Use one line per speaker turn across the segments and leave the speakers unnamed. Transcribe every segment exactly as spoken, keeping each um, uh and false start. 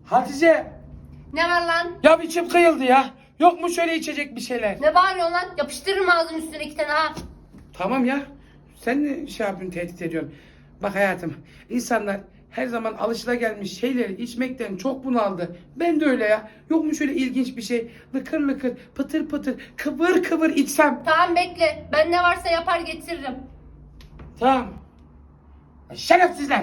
Hatice.
Ne var lan?
Ya içim kıyıldı ya. Yok mu şöyle içecek bir şeyler?
Ne bağırıyorsun lan? Yapıştırırım ağzının üstüne iki tane ha.
Tamam ya. Sen ne şey yapıyorsun, tehdit ediyorsun. Bak hayatım, insanlar her zaman alışılagelmiş şeyleri içmekten çok bunaldı. Ben de öyle ya. Yok mu şöyle ilginç bir şey? Lıkır lıkır, pıtır pıtır, kıvır kıvır içsem.
Tamam bekle. Ben ne varsa yapar getiririm.
Tamam. Şerefsizler.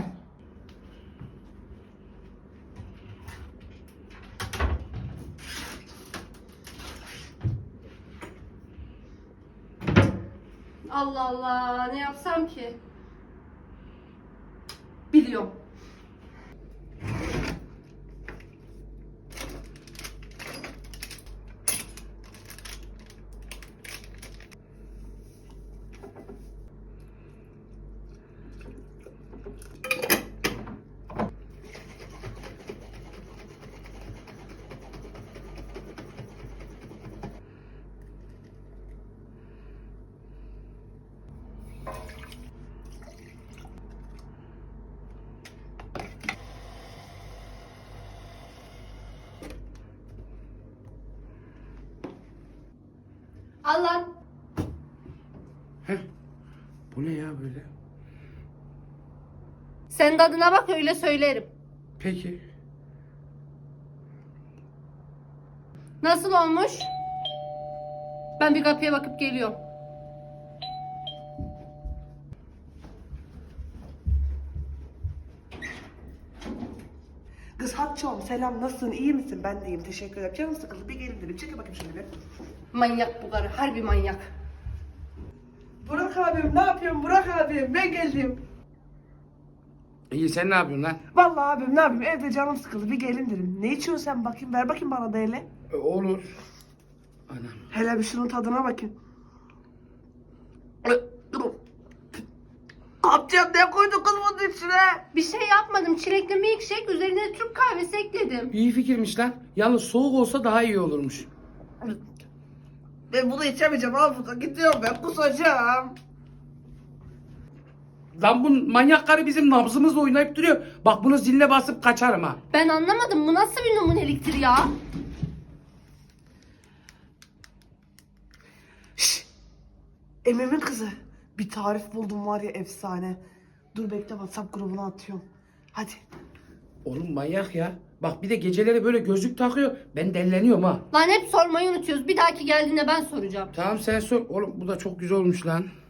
Allah Allah. Ne yapsam ki? Biliyorum. Al lan.
Heh. Bu ne ya böyle?
Sen tadına bak öyle söylerim.
Peki.
Nasıl olmuş? Ben bir kapıya bakıp geliyorum.
Kız Hatçoğum selam, nasılsın, iyi misin? Ben de iyiyim, teşekkür ederim. Canım sıkıldı, bir gelin dedim. Çekil bakayım şöyle bir.
Manyak bu karı. Harbi manyak.
Burak abim, ne yapıyorsun Burak abim? Ben geldim.
İyi, sen ne yapıyorsun lan?
Vallahi abim ne yapayım, evde canım sıkıldı, bir gelin dedim. Ne içiyorsun sen bakayım, ver bakayım bana da hele.
E, olur. Anam.
Hele bir şunun tadına bakayım. Kapacağım, ne koydun kız bunun içine?
Bir şey yapmadım. Çilekli milkshake üzerine Türk kahvesi ekledim.
İyi fikirmiş lan. Yalnız soğuk olsa daha iyi olurmuş.
Ben bunu içemeyeceğim, al burada gidiyorum ben, kusacağım.
Lan bu manyak karı bizim nabzımızla oynayıp duruyor. Bak bunu ziline basıp kaçarım ha.
Ben anlamadım. Bu nasıl bir numuneliktir ya?
Şşş! Emem'in kızı. Bir tarif buldum var ya, efsane. Dur bekle, WhatsApp grubuna atıyorum. Hadi.
Oğlum manyak ya. Bak bir de geceleri böyle gözlük takıyor. Ben delleniyorum ha.
Lan hep sormayı unutuyoruz. Bir dahaki geldiğinde ben soracağım.
Tamam sen sor. Oğlum bu da çok güzel olmuş lan.